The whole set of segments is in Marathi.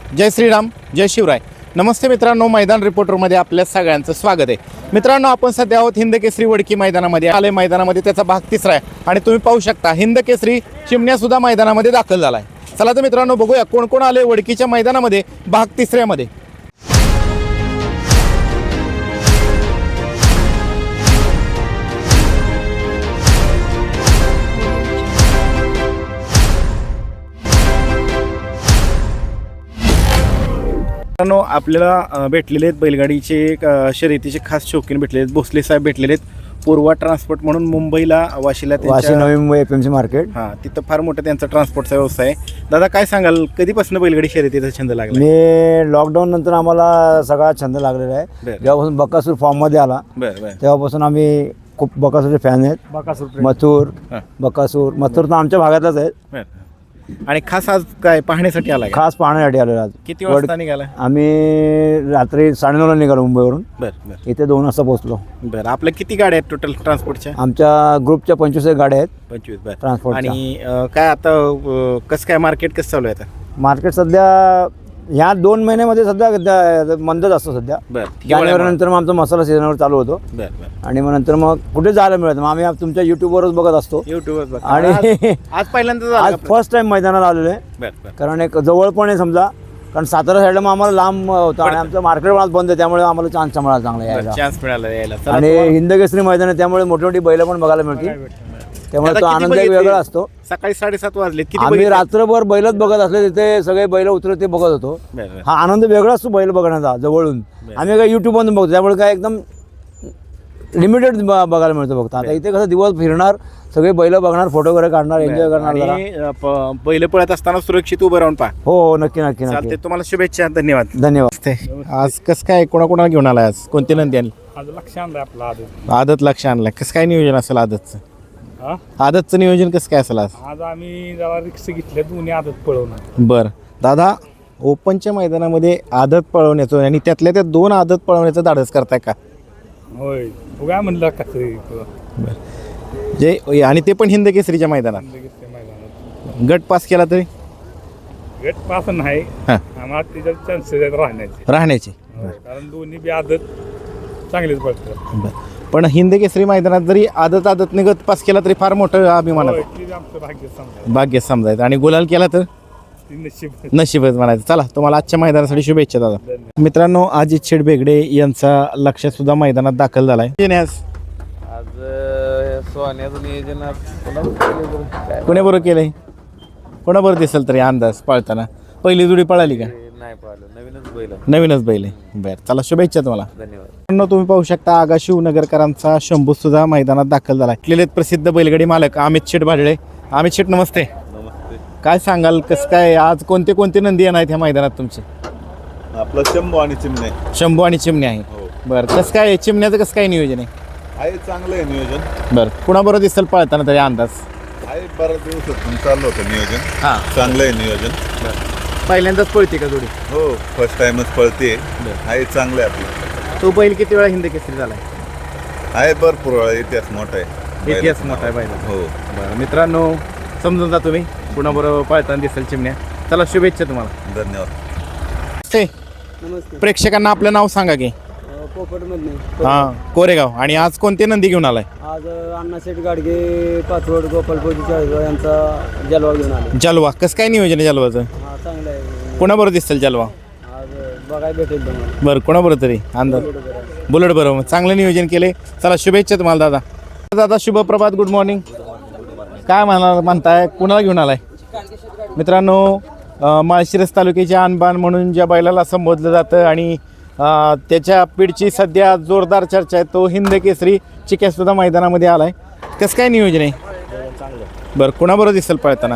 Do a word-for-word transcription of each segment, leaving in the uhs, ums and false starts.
जय श्रीराम, जय शिवराय. नमस्ते मित्रांनो, मैदान रिपोर्टरमध्ये आपल्या सगळ्यांचं स्वागत आहे. मित्रांनो, आपण सध्या आहोत हिंद केसरी वडकी मैदानामध्ये. आले मैदानामध्ये त्याचा भाग तिसरा आहे आणि तुम्ही पाहू शकता हिंद केसरी चिमण्यासुद्धा मैदानामध्ये दाखल झाला आहे. चला तर मित्रांनो, बघूया कोण कोण आले वडकीच्या मैदानामध्ये भाग तिसऱ्यामध्ये. मित्रांनो, आपल्याला भेटलेले आहेत बैलगाडीचे शर्यतीचे खास शौकीन भेटलेले आहेत. भोसले साहेब भेटलेले आहेत. पूर्वा ट्रान्सपोर्ट म्हणून मुंबईला वाशीला Vashi Navi Mumbai F M C market. हां, तिथं फार मोठा त्यांचा ट्रान्सपोर्टचा व्यवसाय आहे. दादा, काय सांगाल, कधीपासून बैलगाडी शर्यतीचा छंद लागला? मी लॉकडाऊन नंतर आम्हाला सगळा छंद लागलेला आहे. जेव्हापासून बकासूर फॉर्ममध्ये आला बरं बरं तेव्हापासून आम्ही खूप बकासूरचे फॅन आहेत. बकासूर मथुर बकासूर मथुर तर आमच्या भागातच आहेत. बरं. आणि खास आज काय पाहण्यासाठी आला? खास पाहण्यासाठी आलेलो आज. किती वाजता निघाला? आम्ही रात्री साडेनऊला निघालो मुंबईवरून. बरं बरं इथे दोन वाजता पोहोचलो. बरं. आपल्या किती गाड्या आहेत टोटल ट्रान्सपोर्टच्या? आमच्या ग्रुपच्या पंचवीस गाड्या आहेत पंचवीस. बरं. ट्रान्सपोर्ट. आणि अं, काय आता अं, कसं काय मार्केट कसं चालू आहे आता? मार्केट सध्या ह्या दोन महिन्यामध्ये सध्या द- मंदच असतो सध्या. बरं. जानेवारी नंतर मग आमचा मसाला सीझनवर चालू होतो. बरं बरं. आणि मग नंतर मग कुठे जायला मिळत. मग आम्ही तुमच्या युट्यूबवरच बघत असतो. युट्यूबवर आणि आज पहिल्यांदा आज फर्स्ट टाइम मैदानात आलेलो आहे. बरं बरं. कारण एक जवळ पण आहे समजा, कारण सातारा साईडला मग आम्हाला लांब होतं आणि आमचं मार्केट आज बंद आहे, त्यामुळे आम्हाला चान्स मिळाला चांगला यायला. चान्स मिळाला यायला. आणि हिंद केसरी मैदान आहे त्यामुळे मोठी मोठी बैलं पण बघायला मिळतील, त्यामुळे तो आनंद एक वेगळा असतो. सकाळी साडेसात वाजले. किती आम्ही बघितले? रात्रभर बैलच बघत असले, तिथे सगळे बैल उतरत ते बघत होतो. बरं बरं. हा आनंद वेगळा असतो बैल बघण्याचा जवळून. आम्ही काय युट्यूबवरून बघतो, त्यामुळे काय एकदम लिमिटेड बघायला मिळतं फक्त. आता इथे कसं दिवस फिरणार, सगळे बैल बघणार, फोटो वगैरे काढणार, एन्जॉय करणार जरा. आणि अं, प- बैल पळत असताना सुरक्षित उभं राहून पहा. हो हो, नक्की नक्की चालते. नक्की. तुम्हाला शुभेच्छा. धन्यवाद. धन्यवाद. आज कसं काय, कोणाकोणाला घेऊन आलाय? आज कोणती नंदी आणली? आज लक्ष आणलं आपलं आदत. आदत लक्ष आणलाय. कसं काय नियोजन असेल आदतचं? हा आदतचं नियोजन कसं काय असेल आज? आज आम्ही जरा रिक्स घेतल्या, दोन्ही आदत पळवणार. बरं दादा, ओपनच्या मैदानामध्ये आदत पळवण्याचं आणि त्यातल्या त्या दोन आदत पळवण्याचं धाडस करताय का? होय, बघा म्हणलं का तरी बरं. जे आणि ते पण हिंद केसरीच्या मैदानात मैदानात गट पास केला तरी गट पास नाही. हां, आम्हाला त्याच्यात चान्सेस आहेत राहण्याचे. राहण्याची. होय, कारण दोन्ही बी आदत चांगलीच पडतात. बरं. पण हिंद केसरी मैदानात जरी आदत आदत निगत पास केला तरी फार मोठं अभिमान होय, ते आमचं भाग्य समजा, भाग्य समजायचं. आणि गुलाल केला तर ती नशीब. नशीबच म्हणायचं. चला, तुम्हाला आजच्या मैदानासाठी शुभेच्छा दादा. मित्रांनो, अजित शेठ बेगडे यांचा लक्ष सुद्धा मैदानात दाखल झालाय. आज सोन्याचं नियोजन कोणाबरोबर केलंय? कोणाबरोबर दिसेल तरी अंदाज पळताना? पहिली जोडी पळाली का? नाही पाहिलं, नवीनच बैल. नवीनच बैल आहे. बरं, चला शुभेच्छा तुम्हाला. धन्यवाद. मित्रांनो, तुम्ही पाहू शकता आगा शिवनगरकरांचा शंभू सुद्धा मैदानात दाखल झाला. आहेत प्रसिद्ध बैलगाडी मालक अमित शेठ भाडळे. अमित शेठ, नमस्ते. नमस्ते. काय सांगाल, कसं काय आज कोणते कोणते नंदी येणार आहेत ह्या मैदानात तुमचे? आपलं शंभू आणि चिमणे. शंभू आणि चिमणी आहे. हो. बरं, कसं काय चिमण्याचं कसं काय नियोजन आहे? आहे चांगलं आहे नियोजन. बरं, कुणाबरोबर दिसेल पळताना तरी अंदाज? आहे बऱ्याच दिवसातून चाललं होतं नियोजन. हां, चांगलं आहे नियोजन. पहिल्यांदाच पळते का जोडी? हो, फर्स्ट टाइमच पळते. आहे चांगलं आहे आपलं. तो बैल किती वेळा हिंद केसरी झालाय? आहे भरपूर वेळा, इतिहास मोठा आहे. इतिहास मोठा आहे बैल. हो. बरं मित्रांनो, समजून जा तुम्ही कुणाबरोबर पळताना दिसेल चिमण्या. चला शुभेच्छा तुम्हाला. धन्यवाद. ते प्रेक्षकांना आपलं नाव सांगा की. पोपटमधून हां, कोरेगाव. आणि आज कोणते नंदी घेऊन आलाय? आज अण्णाशेठ गाडगे पाचवड गोपालपोजी चाळीसगाव यांचा जलवा घेऊन आले. जलवा. कसं काय नियोजन आहे जलवाचं? हा, चांगलं आहे. कोणाबरोबर दिसेल जलवा? आज बघायला भेटेल तुम्हाला. बरं, कोणाबरोबर तरी अंदाज? बुलेट बरोबर. चांगलं नियोजन केले. चला शुभेच्छा तुम्हाला दादा. दादा शुभप्रभात, गुड मॉर्निंग. काय म्हणा म्हणताय, कुणाला घेऊन आलाय? मित्रांनो, अं, माळशिरस तालुक्याचे आणबाण म्हणून ज्या बैलाला संबोधलं जातं आणि अं, त्याच्या पिढची सध्या जोरदार चर्चा आहे, तो हिंद केसरी चिक्यासुद्धा मैदानामध्ये आलाय. कसं काय नियोजन आहे? बरं, कुणाबरोबर दिसेल पळताना?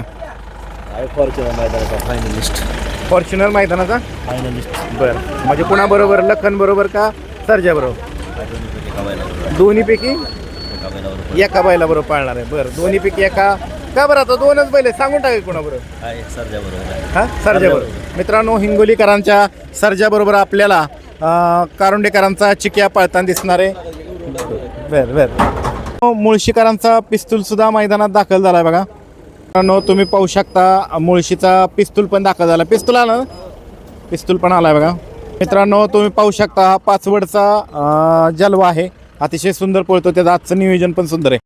फायनलिस्ट फॉर्च्युनर मैदानाचा फायनलिस्ट बरं. म्हणजे कुणाबरोबर? लखन बरोबर का सर्जा बरोबर? दोन्हीपैकी एका बैला बरोबर पाळणार आहे. बरं, दोन्हीपैकी एका का? बरं, आता दोनच बैल आहे, सांगून टाकेल कोणाबरोबर? हां, सर्जा बरोबर. मित्रांनो, हिंगोलीकरांच्या सर्जा बरोबर आपल्याला अं, कारुंडेकरांचा चिक्या पळताना दिसणार आहे. बरं बरं. मुळशीकरांचा पिस्तूल सुद्धा मैदानात दाखल झाला आहे बघा. मित्रांनो, तुम्ही पाहू शकता मुळशीचा पिस्तूल पण दाखल झाला. पिस्तूल आला ना? पिस्तूल पण आलाय बघा मित्रांनो. तुम्ही पाहू शकता हा पाचवडचा अं, जलवा आहे. अतिशय सुंदर पळतो. त्याचं आजचं नियोजन पण सुंदर आहे.